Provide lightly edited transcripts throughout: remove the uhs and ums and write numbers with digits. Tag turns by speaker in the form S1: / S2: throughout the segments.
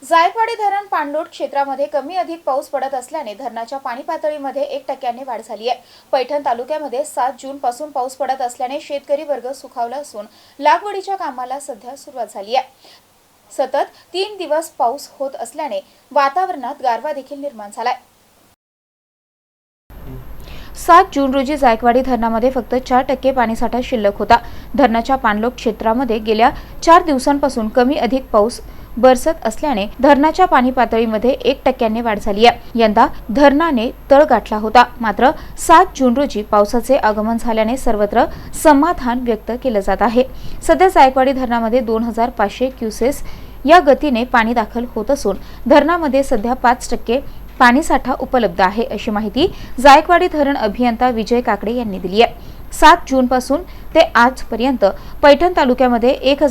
S1: जायकवाडी धरण पाणलोट क्षेत्रामध्ये कमी अधिक पाऊस पडत असल्याने धरणाच्या पाणी पातळीमध्ये 1% वाढ झाली आहे। पैठण तालुक्यामध्ये 7 जून पासून पाऊस पडत असल्याने शेतकरी वर्ग सुखावला असून लागवडीच्या कामाला सध्या सुरुवात झाली आहे। सतत 3 दिवस पाऊस होत असल्याने वातावरणात गारवा देखील निर्माण झालाय। 7 जून रोजी जायकवाडी धरणामध्ये फक्त 4% पाणीसाठा शिल्लक होता। धरणाच्या पाणलोट क्षेत्रामध्ये गेल्या 4 दिवसांपासून कमी अधिक पाऊस बरसत असल्याने धरणाच्या पाणी पातळीमध्ये 1% वाढ झाली आहे। यंदा धरणाने तळ गाठला होता, मात्र 7 जून रोजी पावसाचे आगमन झाल्याने सर्वत्र समाधान व्यक्त केले जात आहे। सध्या जायकवाडी धरणामध्ये 2500 क्युसेस या गतीने पाणी दाखल होत असून धरणामध्ये सध्या 5% पाणीसाठा उपलब्ध आहे, अशी माहिती जायकवाडी धरण अभियंता विजय काकडे यांनी दिली आहे। 7 जून पासून ते आजपर्यंत पैठण तालुक्यामध्ये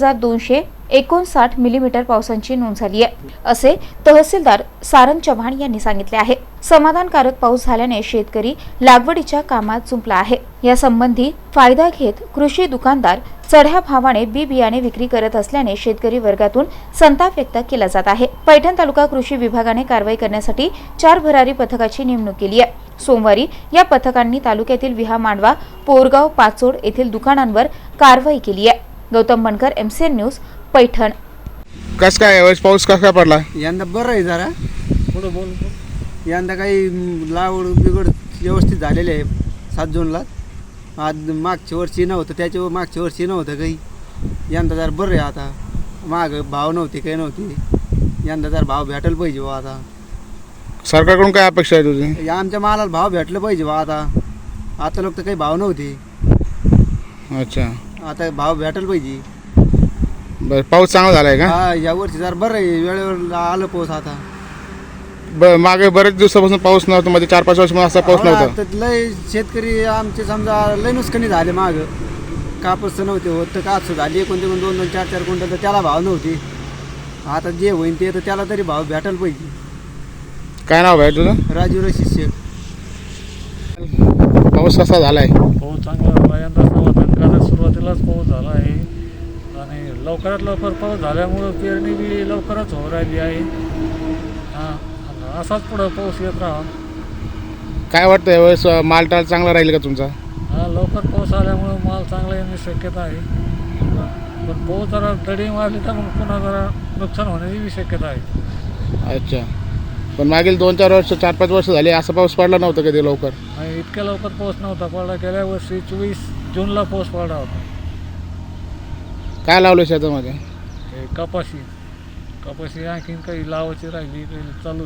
S1: 1259 मिलीमीटर पावसाची नोंद झाली आहे, असे तहसीलदार सारंग चव्हाण यांनी सांगितले आहे। समाधानकारक पाऊस झाल्याने शेतकरी लागवडीच्या कामात जुंपला आहे। या संबंधी फायदा घेत कृषी दुकानदार चढ्या भावाने बी बियाणे विक्री करत असल्याने शेतकरी वर्गातून संताप व्यक्त केला जात आहे। पैठण तालुका कृषी विभागाने कारवाई करण्यासाठी 4 भरारी पथकाची नेमणूक केली आहे। सोमवारी या पथकांनी तालुक्यातील विहा मांडवा, पोरगाव, पाचोड येथील दुकानांवर कारवाई केली आहे। Gautam Bankar, MCN news, Paithan.
S2: कस काय पाऊस कसा पडला?
S3: यंदा बरं आहे जरा पुढं बोल। यंदा काही लावड बिघड व्यवस्थित झालेले आहे 7 जूनला। आज मागच्या वर्षी नव्हतं, त्याच्या मागच्या वर्षी नव्हतं काही। यंदा जरा बरं आहे, आता माग भाव नव्हते काही नव्हते। यंदा जरा भाव भेटायला पाहिजे बा। आता
S2: सरकारकडून काय अपेक्षा आहे तुझी?
S3: आमच्या मालाला भाव भेटलं पाहिजे बा। आता लोक तर काही भाव नव्हते,
S2: अच्छा
S3: आता भाव भेटायला पाहिजे।
S2: बरं, पाऊस चांगला झालाय का?
S3: हा, या वर्षी जरा बरं आहे, वेळेवर आलं पाऊस। आता
S2: मागे बरेच दिवसापासून पाऊस नव्हता, मध्ये 4-5 वर्ष असा पाऊस नव्हता।
S3: तर लय शेतकरी आमचे समजा लय नुकसानी झाले। माग कापूस नव्हते होत, तर कापूस झाली कोणते 2-2, 4-4 क्विंटल, तर त्याला भाव नव्हते। आता जे होईल ते तर त्याला तरी भाव भेटायला पाहिजे।
S2: काय नाव आहे तुझं?
S3: राजीव शिष्य।
S2: पाऊस कसा झालाय?
S4: पाऊस चांगला झाला यंदा, समाधानकारक सुरुवातीलाच पाऊस झाला आहे आणि लवकरात लवकर पाऊस झाल्यामुळं पेरणी बी लवकरच होऊ राहिली आहे। असाच पुढं पाऊस येत राहा।
S2: काय वाटतं यावेळेस मालटाल चांगला राहील का तुमचा?
S4: लवकर पाऊस आल्यामुळं माल चांगला येण्याची शक्यता आहे, पण पाऊस जरा दडी मारली तर मग पुन्हा जरा नुकसान होण्याची बी शक्यता आहे।
S2: अच्छा, पण मागील 2-4 वर्ष 4-5 वर्ष झाले असा पाऊस पडला नव्हता कधी लवकर?
S4: आणि इतक्या लवकर पाऊस नव्हता पडला। गेल्या वर्षी 24 जूनला पाऊस पडला होता।
S2: काय लावलं शेतामध्ये?
S4: कपाशी आणखीन काही लावायची राहिली, काही चालू